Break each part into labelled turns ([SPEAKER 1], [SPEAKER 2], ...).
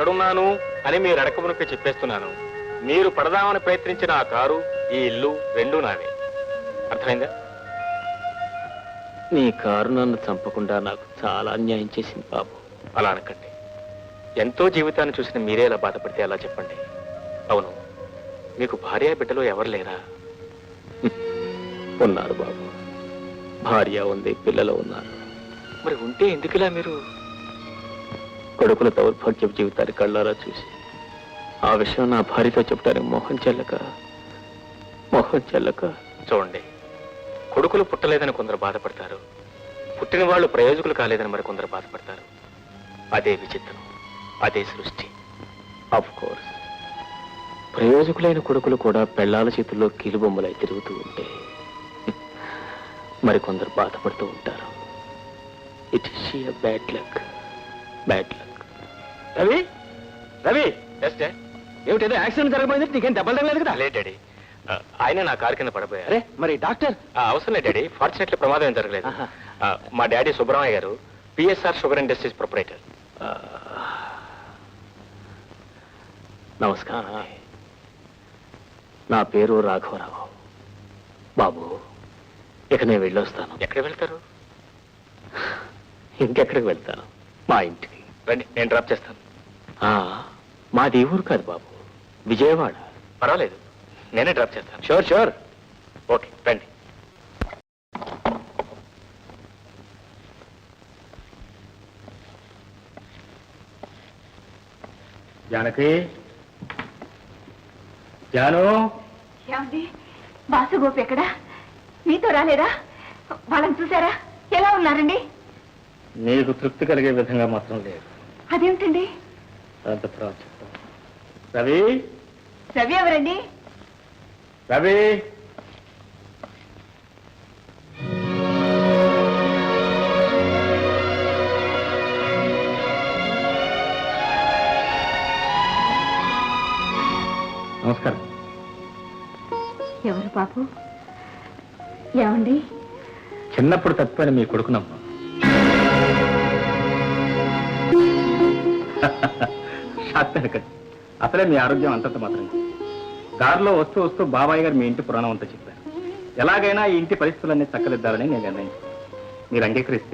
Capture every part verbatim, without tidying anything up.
[SPEAKER 1] ఎక్కడున్నాను అని మీరు అడకమునకే చెప్పేస్తున్నాను. మీరు పడదామని ప్రయత్నించిన ఆ కారు, ఈ ఇల్లు రెండూ నావే. అర్థమైందా?
[SPEAKER 2] నీ కారు నన్ను చంపకుండా నాకు చాలా అన్యాయం చేసింది బాబు.
[SPEAKER 1] అలా అనకండి. ఎంతో జీవితాన్ని చూసిన మీరే ఎలా బాధపడితే అలా చెప్పండి. అవును, మీకు భార్య బిడ్డలు ఎవరు లేరా?
[SPEAKER 2] ఉన్నారు బాబు, భార్య ఉంది, పిల్లలు ఉన్నారు.
[SPEAKER 1] మరి ఉంటే ఎందుకులా మీరు?
[SPEAKER 2] కొడుకుల దౌర్భాగ్య జీవితాన్ని కళ్ళారా చూసి ఆ విషయం నా భార్యతో చెప్పడానికి మోహం చెల్లక మోహం చెల్లక
[SPEAKER 1] చూడండి, కొడుకులు పుట్టలేదని కొందరు బాధపడతారు, పుట్టిన వాళ్ళు ప్రయోజకులు కాలేదని మరి కొందరు బాధపడతారు. అదే విచిత్రం, అదే సృష్టి.
[SPEAKER 2] ఆఫ్ కోర్స్, ప్రయోజకులైన కొడుకులు కూడా పెళ్లాల చేతుల్లో కీలుబొమ్మలై తిరుగుతూ ఉంటే మరికొందరు బాధపడుతూ ఉంటారు. It is sheer bad luck, bad luck.
[SPEAKER 1] Ravi, Ravi,
[SPEAKER 2] ఏమిటేదో యాక్సిడెంట్ జరగబోయింది, నీకేం దెబ్బలు తగలేదు కదా?
[SPEAKER 1] లేదు డాడీ, ఆయన నా కారు కింద పడిపోయారు.
[SPEAKER 2] అరే మరి డాక్టర్?
[SPEAKER 1] అవసరం లేదు డాడీ, ఫార్చునేట్లీ ప్రమాదం ఏం జరగలేదు. మా డాడీ సుబ్రహ్మణ్య గారు పిఎస్ఆర్ షుగర్ ఇండస్ట్రీస్ ప్రొపరేటర్.
[SPEAKER 2] నమస్కారం, నా పేరు రాఘవరావు. బాబు, ఇక నేను వెళ్ళొస్తాను.
[SPEAKER 1] ఎక్కడికి వెళ్తారు?
[SPEAKER 2] ఇంకెక్కడికి వెళ్తాను? మా ఇంటికి.
[SPEAKER 1] రండి, నేను డ్రాప్ చేస్తాను.
[SPEAKER 2] మాది ఊరు కాదు బాబు, విజయవాడ.
[SPEAKER 1] పర్వాలేదు, నేనే డ్రాప్ చేస్తాను.
[SPEAKER 2] Sure sure.
[SPEAKER 1] ఓకే, రండి.
[SPEAKER 2] జానకి, జాను.
[SPEAKER 3] ఏమండి, బాసు గోపి ఎక్కడా? మీతో రాలేదా? వాళ్ళని చూసారా? ఎలా ఉన్నారండి?
[SPEAKER 2] నీకు తృప్తి కలిగే విధంగా మాత్రం లేదు.
[SPEAKER 3] అదేమిటండి?
[SPEAKER 2] అంత తర్వాత చెప్తాను. రవి,
[SPEAKER 3] రవి ఎవరండి?
[SPEAKER 2] రవి, నమస్కారం.
[SPEAKER 3] ఎవరు బాబు? ఏమండి?
[SPEAKER 2] చిన్నప్పుడు తప్పిపోయిన మీ కొడుకునమ్మా. షాక్. అసలే మీ ఆరోగ్యం అంతంత మాత్రం. దారిలో వస్తూ వస్తూ బాబాయ్ గారు మీ ఇంటి పురాణం అంతా చెప్పారు. ఎలాగైనా ఈ ఇంటి పరిస్థితులన్నీ చక్కదిద్దాలని నేను నిర్ణయించుకున్నాను. మీరు అంగీకరిస్తే.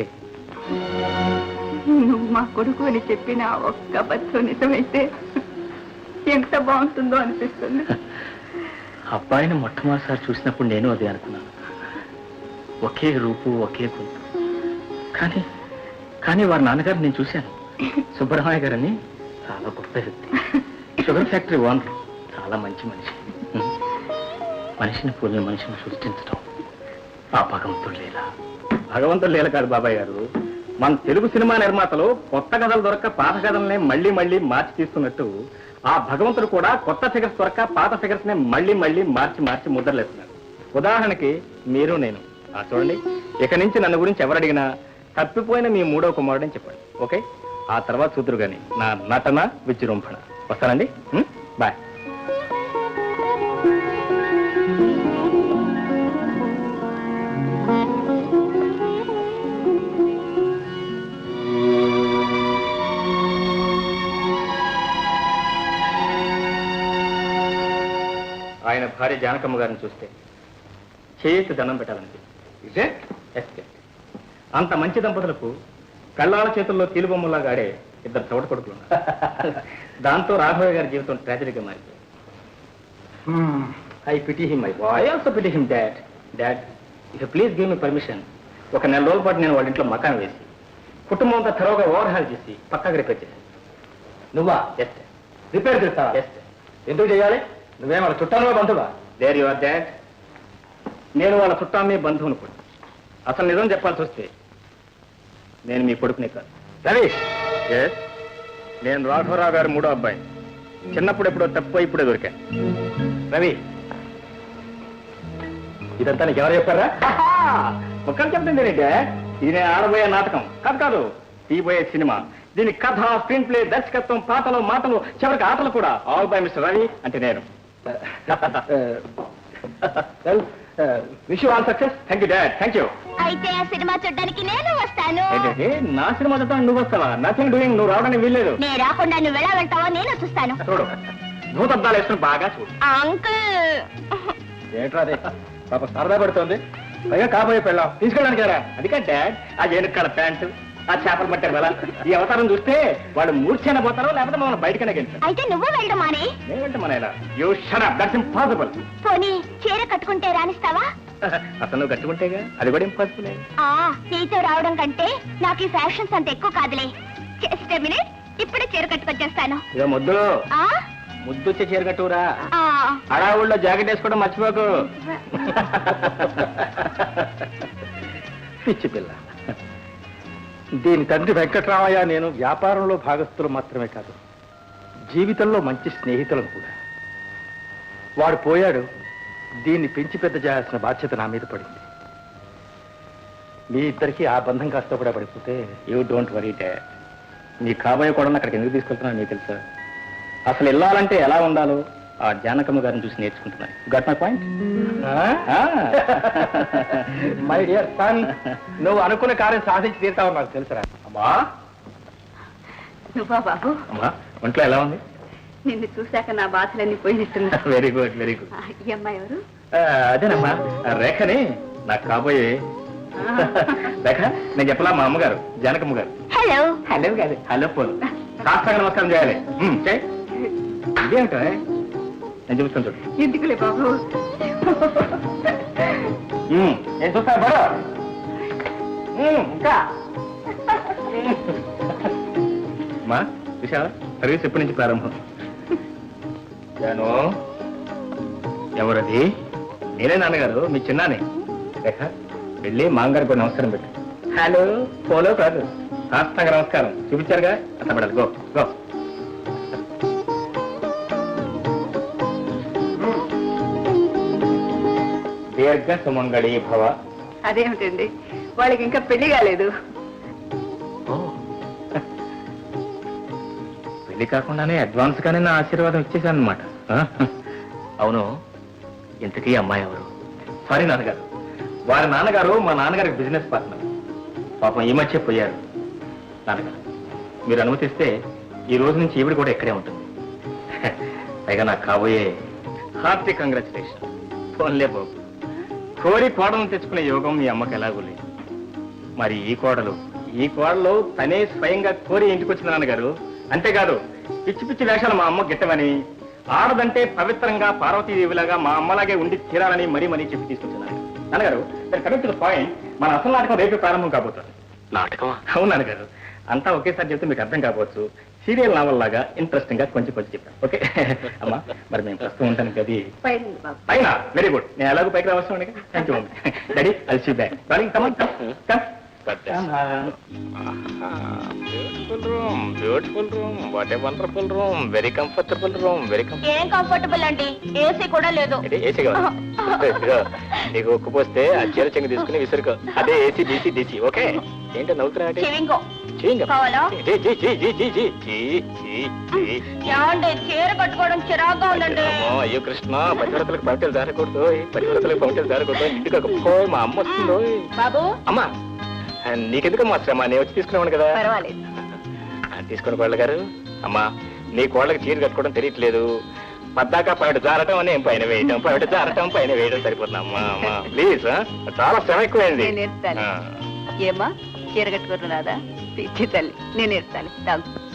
[SPEAKER 3] నువ్వు మా కొడుకు అని చెప్పిన ఒక్క బస్సు నిజమైతే ఎంత బాగుంటుందో అనిపిస్తుంది.
[SPEAKER 2] అబ్బాయిని మొట్టమొదటిసారి చూసినప్పుడు నేను అదే అనుకున్నాను. ఒకే రూపు, ఒకే గొంతు. కానీ కానీ వారి నాన్నగారు నేను చూశాను. సుబ్రహ్మణ్య గారని చాలా గొప్ప వ్యక్తి, షుగర్ ఫ్యాక్టరీ ఓనర్, చాలా మంచి మనిషి. మనిషిని పోలిన మనిషిని సృష్టించడం ఆ భగవంతుడు లీల. భగవంతుడు లీల కాదు బాబాయ్ గారు. మన తెలుగు సినిమా నిర్మాతలు కొత్త కథలు దొరక్క పాత కథలనే మళ్ళీ మళ్ళీ మార్చి తీస్తున్నట్టు ఆ భగవంతుడు కూడా కొత్త ఫిగర్స్ దొరక్క పాత ఫిగర్స్ నే మళ్ళీ మళ్ళీ మార్చి మార్చి ముద్రలేస్తున్నారు. ఉదాహరణకి మీరు నేను. ఆ చూడండి, ఇక నుంచి నన్ను గురించి ఎవరు అడిగినా తప్పిపోయిన మీ మూడో కుమారుడని చెప్పండి. ఓకే? ఆ తర్వాత చూద్దరు గాని నా నటన విజృంభణ. వస్తానండి, బాయ్. ఆయన భార్య జానకమ్మ గారిని చూస్తే చేతి దండం పెట్టాలండి. ఇదే అంత మంచి దంపతులకు కళ్ళాల చేతుల్లో కీలుబొమ్మలాగా ఆడే ఇద్దరు చోట కొడుకులు ఉన్నారు. దాంతో రాఘవయ్య గారి జీవితం ట్రాజడీగా మారిపోయింది. I pity him, I I also pity him. Dad dad if please give me permission, ఒక నెల రోజుల పాటు నేను వాళ్ళ ఇంట్లో మకాన్ వేసి కుటుంబం అంతా త్వరగా ఓవర్ హాల్ చేసి పక్కకి రిపేర్ చేశాను. నువ్వా? ఎస్. రిపేర్ చేస్తావా? ఎస్. ఎందుకు చేయాలి? నువ్వేం వాళ్ళ చుట్టానువా, బంధువా? There your dad. నేను వాళ్ళ చుట్టామే, బంధువును కూడా. అసలు నిజం చెప్పాల్సి వస్తే నేను మీ కొడుకునే కాదు. రవి, ఎస్, నేను రాఘవరావు గారు మూడో అబ్బాయి. చిన్నప్పుడు ఎప్పుడో తప్పు ఇప్పుడే దొరికాను. రవి, ఇదంతా నీకు ఎవరు చెప్పారా? ఒక్కరు చెప్పండి. నేనంటే ఇది నేను ఆడబోయే నాటకం కాదు కాదు తీయబోయే సినిమా. దీని కథ, స్క్రీన్ ప్లే, దర్శకత్వం, పాటలు, మాటలు, చివరికి ఆటలు కూడా ఆల్ బై మిస్టర్ రవి అంటే నేను. Wish you all success. Thank you dad. Thank you.
[SPEAKER 3] అయితే ఆ సినిమా చూడడానికి నేను వస్తాను.
[SPEAKER 2] ఏంటంటే నా సినిమా చూద్దాం నువ్వు వస్తావా? Nothing doing. నువ్వు రావడానికి వీల్లేదు.
[SPEAKER 3] నేను రాకుండా నువ్వు ఎలా వెళ్తావో నేను చూస్తాను.
[SPEAKER 2] చూడు నువ్వు తద్దాలు వేసుకుని బాగా చూడు.
[SPEAKER 3] అంకుల్
[SPEAKER 2] ఏంట్రా అదే పాప సరదా పడుతోంది. పైగా కాబోయే పెళ్ళాం తీసుకెళ్ళడానికి కదా. అది కాదు డాడ్, ఆ ఏనుక్కడ ప్యాంటు, ఆ చేపలు పట్టారు కదా, ఈ అవతారం చూస్తే వాడు మూర్ఛైనా పోతారో లేకపోతే మమ్మల్ని బయటకనే గెలిచారు.
[SPEAKER 3] అయితే నువ్వు వెళ్ళడం మానే.
[SPEAKER 2] నేనంటే మన ఇలా you shut up. That's impossible.
[SPEAKER 3] పోనీ చీర కట్టుకుంటే రాణిస్తావా?
[SPEAKER 2] అసలు నువ్వు కట్టుకుంటేగా అది కూడా ఇంపాసిబుల్.
[SPEAKER 3] ఆ నీతో రావడం కంటే నాకు ఈ ఫ్యాషన్స్ అంత ఎక్కువ కాదులే. జస్ట్ ఎ మినిట్, ఇప్పుడే చీర కట్టుకొచ్చేస్తాను.
[SPEAKER 2] ఇక ముద్దు
[SPEAKER 3] ఆ
[SPEAKER 2] ముద్దు వచ్చే చీర కట్టురా.
[SPEAKER 3] ఆ
[SPEAKER 2] అడావుల్లో జాకెట్ వేసుకోవడం మర్చిపోకు. పిచ్చి పిల్ల. దీని తండ్రి వెంకట్రామయ్య నేను వ్యాపారంలో భాగస్థులు మాత్రమే కాదు, జీవితంలో మంచి స్నేహితులను కూడా. వాడు పోయాడు, దీన్ని పెంచి పెద్ద చేయాల్సిన బాధ్యత నా మీద పడింది. మీ ఇద్దరికి ఆ బంధం కాస్త కూడా పడిపోతే యూ డోంట్ వరీ డాడ్. నీ కాబోయే కూడా అక్కడికి ఎందుకు తీసుకెళ్తున్నాను మీకు తెలుసా? అసలు వెళ్ళాలంటే ఎలా ఉండాలో ఆ జానకమ్మ గారిని చూసి నేర్చుకుంటున్నాను. Got my point? My dear son, నువ్వు అనుకున్న కార్యం సాధించి తీరుతావు నాకు తెలుసురా. అమ్మా
[SPEAKER 3] నువ్వా బాబు?
[SPEAKER 2] అమ్మా ఒంట్లో ఎలా ఉంది?
[SPEAKER 3] నిన్ను చూశాక నా బాధలన్నీ పోయినట్టున్నా.
[SPEAKER 2] Very good very good.
[SPEAKER 3] ఈ అమ్మాయి ఎవరు?
[SPEAKER 2] అదేనమ్మా రేఖని నాకు కాబోయే. రేఖ నేను చెప్పలా మా అమ్మగారు జానకమ్మ గారు.
[SPEAKER 3] హలో.
[SPEAKER 2] హలో కాదు హలో పోలు. సాష్టాంగ నమస్కారం చేయాలి. ఉమ్, చేయి. ఇదేమిటో నేను చూస్తాను చూడు.
[SPEAKER 3] ఎందుకులే బాబు.
[SPEAKER 2] ఉమ్, నేను చూస్తాను బరో. ఉమ్, ఇంకా మా విశాల సర్వీస్ ఎప్పటి నుంచి ప్రారంభం? జాను ఎవరది? నేనే నాన్నగారు, మీ చిన్నానే. రేఖ వెళ్ళి మామగారికి కూడా నమస్కారం పెట్టు. హలో పోలో కాదు సాష్టాంగ నమస్కారం చూపించారుగా అట్లా పడాలి. Go go. దీర్ఘ సుమంగళి భవ.
[SPEAKER 3] అదేమిటండి, వాళ్ళకి ఇంకా పెళ్లి కాలేదు.
[SPEAKER 2] పెళ్లి కాకుండానే అడ్వాన్స్ గానే నా ఆశీర్వాదం ఇచ్చేసాను అనమాట. అవును, ఇంతకీ అమ్మాయి ఎవరు? సారీ నాన్నగారు, వారి నాన్నగారు మా నాన్నగారికి బిజినెస్ పార్ట్నర్. పాపం ఈ మధ్య పోయారు. నాన్నగారు మీరు అనుమతిస్తే ఈ రోజు నుంచి ఈవిడ కూడా ఇక్కడే ఉంటుంది. పైగా నాకు కాబోయే హార్టీ కంగ్రాచులేషన్. ఫోన్లే బాబు, కోరి కోడలను తెచ్చుకునే యోగం మీ అమ్మకి ఎలాగూ లేదు. మరి ఈ కోడలు ఈ కోడలు తనే స్వయంగా కోరి ఇంటికి వచ్చిన నాన్నగారు. అంతేకాదు పిచ్చి పిచ్చి వేషాలు మా అమ్మ గిట్టమని, ఆడదంటే పవిత్రంగా పార్వతీదేవిలాగా మా అమ్మలాగే ఉండి తీరాలని మరీ మరీ చెప్పి తీసుకొచ్చున్నాను. నాన్నగారు కమింగ్ టు ద పాయింట్, మన అసలు నాటకం రేపు ప్రారంభం కాబోతుంది.
[SPEAKER 1] నాటకమా?
[SPEAKER 2] అవును నాన్నగారు, అంతా ఒకేసారి చెప్తే మీకు అర్థం కాకపోవచ్చు. సీరియల్ నావల్ లాగా ఇంట్రెస్టింగ్ గా కొంచెం కొంచెం చెప్పాను. ఓకే అమ్మా, మరి మేము ప్రస్తుతం ఉంటాను కదా పైన. వెరీ గుడ్, నేను ఎలాగో పైకి రావస్తాను. Thank you daddy. I'll see back.
[SPEAKER 1] Beautiful room, beautiful room, what a wonderful room, very comfortable room, very
[SPEAKER 3] ఏం కంఫర్టబుల్ అండి, ఏసీ కూడా లేదు.
[SPEAKER 1] ఏసీ కావాలి. నీకు ఉక్కు పోస్తే ఆ చీర చెంగు తీసుకుని విసురుకో. అదే ఏసీ డీసీ డీసీ. ఓకే ఏంటో నవ్వుతున్నా?
[SPEAKER 3] చెవింగో కావాలా? ఏమండి, చీర కట్టుకోవడం చిరాగ్గా ఉందండి.
[SPEAKER 1] అయ్యో కృష్ణ, పతివ్రతలకు పంటలు జారకూడదు, పతివ్రతలకు పంటలు జారకూడదు. ఇంటికి ఒక మా అమ్మ వస్తుందో.
[SPEAKER 3] బాబు
[SPEAKER 1] అమ్మా నీకెందుకమ్మా శ్రమ, నేను వచ్చి తీసుకున్నాను కదా.
[SPEAKER 3] పర్వాలేదు,
[SPEAKER 1] తీసుకుని కోళ్ళ గారు. అమ్మా నీ కోళ్ళకి చీర కట్టుకోవడం తెలియట్లేదు. పద్దాక పైట జారటం అని పైన వేయటం, పైట జారటం పైన వేయడం సరిపోతుంది. అమ్మా అమ్మా ప్లీజ్, చాలా శ్రమ ఎక్కువైంది.
[SPEAKER 3] ఏమా చీర కట్టుకోవడం రాదా? పిచ్చి తల్లి, నేను నేర్పుతాను.